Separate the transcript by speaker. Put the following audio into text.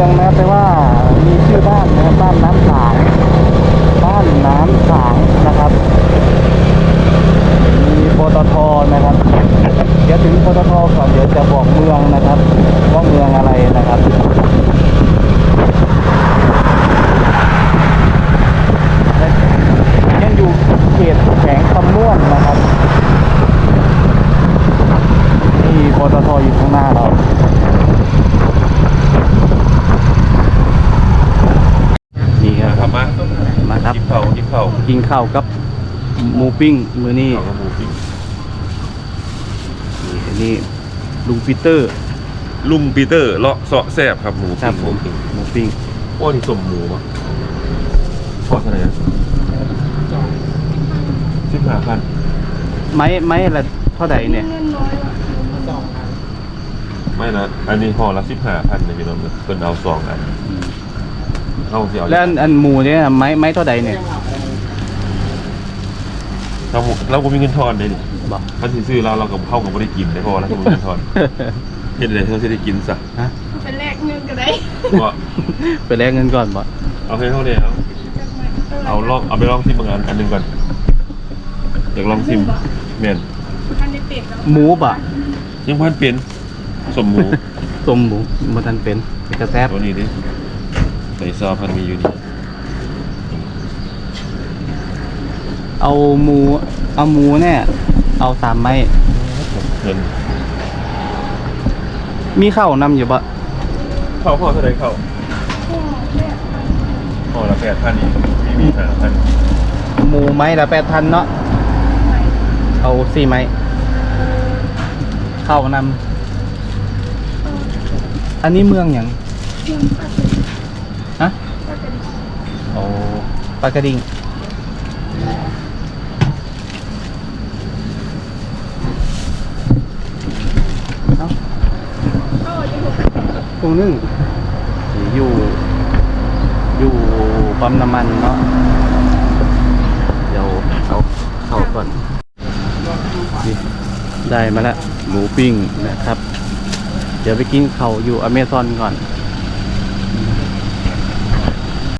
Speaker 1: องนะแต่ว่ามีชื่อบ้านนะครับบ้านน้ำสางบ้านน้ำสางนะครับมีปตทนะครับเดี๋ยวถึงปตทก่อนเดี๋ยวจะบอกเมืองนะครับว่าเมืองอะไรนะครับยังอยู่เขตแขวงคำม่วนนะครับนี่ปตทอยู่ข้างหน้าเรานี่ครับมาครับกินข้าวกับหมูปิ้งมือนี่นี่ลุงปีเตอร์
Speaker 2: เลาะเสาะแซ่บครับหมู
Speaker 1: ครับผมหมูปิ้ง
Speaker 2: โอ้นี่สมหมูมั้งพอเท่าไหร่15,000
Speaker 1: ไม้ละเท่าไหร่เนี่ย
Speaker 2: ไม่นะอันนี้ห่อละ15,000ในพี่น้องเพิ่นเอา2อันเอาสิเอา
Speaker 1: แล้วอันหมูเนี่ยไม้เท่าไหร่เนี่ย
Speaker 2: เราก็มีเงินทอนได้ดิถ้าซื้อเราก็เข้ากับไม่ได้กินได้เพราะว่าเราไม่มีเงินทอนเห็นเลยเราจะได้กินซะ
Speaker 3: เป็นแลกเงินก็ได้
Speaker 1: ไปแลกเงินก่อนบ่
Speaker 2: เอาให้เท่านี้เอาไปลองชิมบางอันนึงก่อนอยากลองชิมเมียน
Speaker 1: หมูบ่
Speaker 2: ยังพันเป็นสมหมู
Speaker 1: มันทันเป็นกระแทบ
Speaker 2: ตัวนี้ดิใส่ซอสพันมีอยู่นี่
Speaker 1: เอาหมูเนี่ยเอา3 ไม้
Speaker 2: เงิน
Speaker 1: มีข้าวนำอยู่ปะ
Speaker 2: ข้าวเท่าไรข้าวห่อละ8,000นี่มี5,000
Speaker 1: หมูไม้ละ8,000เนาะเอา4 ไม้ข้าวนำอันนี้เมืองอย่างฮะโอ้ปลากระดิ่งตรงนึงอยู่ปั๊มน้ำมันเนาะเดี๋ยวเอาเข้าก่อนได้มาแล้วหมูปิ้งนะครับเดี๋ยวไปกินข้าวอยู่อเมซอนก่อน